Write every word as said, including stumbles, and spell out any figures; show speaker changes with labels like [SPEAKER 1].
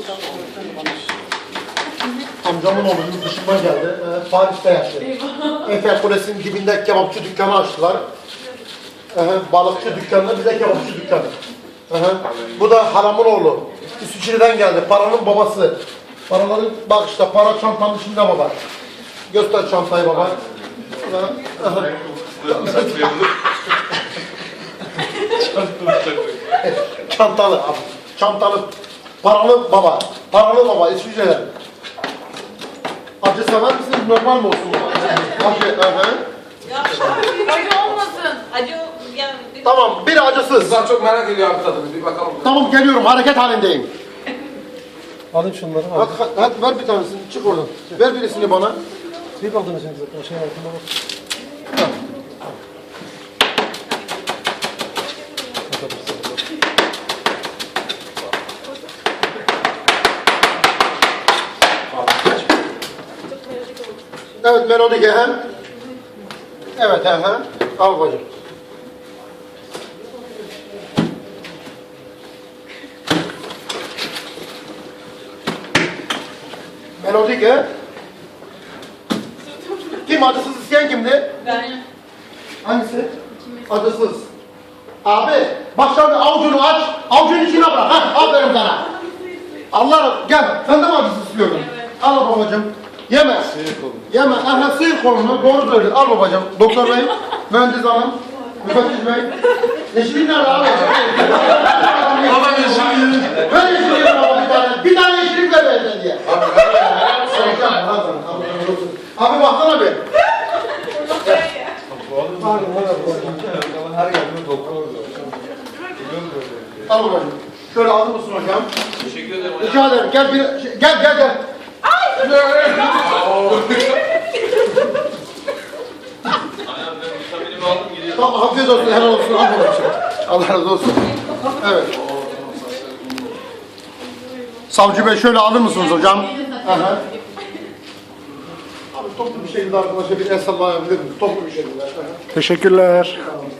[SPEAKER 1] Amcamın oğlu yurt dışından geldi. Ee, Paris'te yaşıyor. Eiffel Kulesi'nin dibinde kebapçı dükkanı açtılar. Ee, balıkçı dükkanı, bize kebapçı dükkanı. Ee, bu da halamın oğlu. İsviçre'den geldi. Paranın babası. Paraların, bak işte para çantanın içinde baba. Göster çantayı baba. Çantalı abi. Çantalı. Paralı baba. Paralı baba İsviçre'den. Acı sever misiniz? Normal mi olsun baba? Acı, hı.
[SPEAKER 2] Ya acı olmasın. Acı yani.
[SPEAKER 1] Tamam, bir acısız.
[SPEAKER 3] Ben çok merak ediyorum abi tadını. Bir bakalım.
[SPEAKER 1] Tamam geliyorum, hareket halindeyim.
[SPEAKER 4] Alayım şunları.
[SPEAKER 1] Hadi, hadi, hadi ver bir tanesini, çık oradan. Ver birisini bana.
[SPEAKER 4] Bir aldın şimdi zaten. Şey altında bak.
[SPEAKER 1] Evet, melodik hem. Evet, hem. Al bacım. Melodik he. Kim acısız isteyen kimdi?
[SPEAKER 2] Ben.
[SPEAKER 1] Hangisi? Acısız. Abi, bak şimdi avucunu aç, avucun içine bırak. Ha, aferin sana. Allah, gel. Sen de mi acısız istiyordun?
[SPEAKER 2] Evet.
[SPEAKER 1] Al babacığım. Yeme. Yeme. Aha, sıyır kolunu. Doğru söylüyor. Al babacığım. Doktor bey, mühendis hanım, müfettiş bey. Yeşilin nerede abi?
[SPEAKER 3] Baba yeşil.
[SPEAKER 1] Ver yeşilin baba bir tane. Bir tane yeşilin ver benden diye. Abi baksana bir.
[SPEAKER 3] Her geldiğinde doktor oluyor.
[SPEAKER 1] Al babacığım. Şöyle alır mısın hocam?
[SPEAKER 3] Teşekkür ederim hocam.
[SPEAKER 1] Rica ederim. Gel bir şey- gel gel gel.
[SPEAKER 3] Aynen ben vitaminimi aldım gidiyorum.
[SPEAKER 1] Tamam afiyet olsun. Helal olsun. Al babacığım. Allah razı olsun. Evet. Savcı Bey şöyle alır mısınız hocam? Aha. Abi toplu bir şekilde arkadaşa bir el sallayabilir miyiz? Toplu bir şekilde. Aha.
[SPEAKER 4] Teşekkürler.
[SPEAKER 1] Tamam.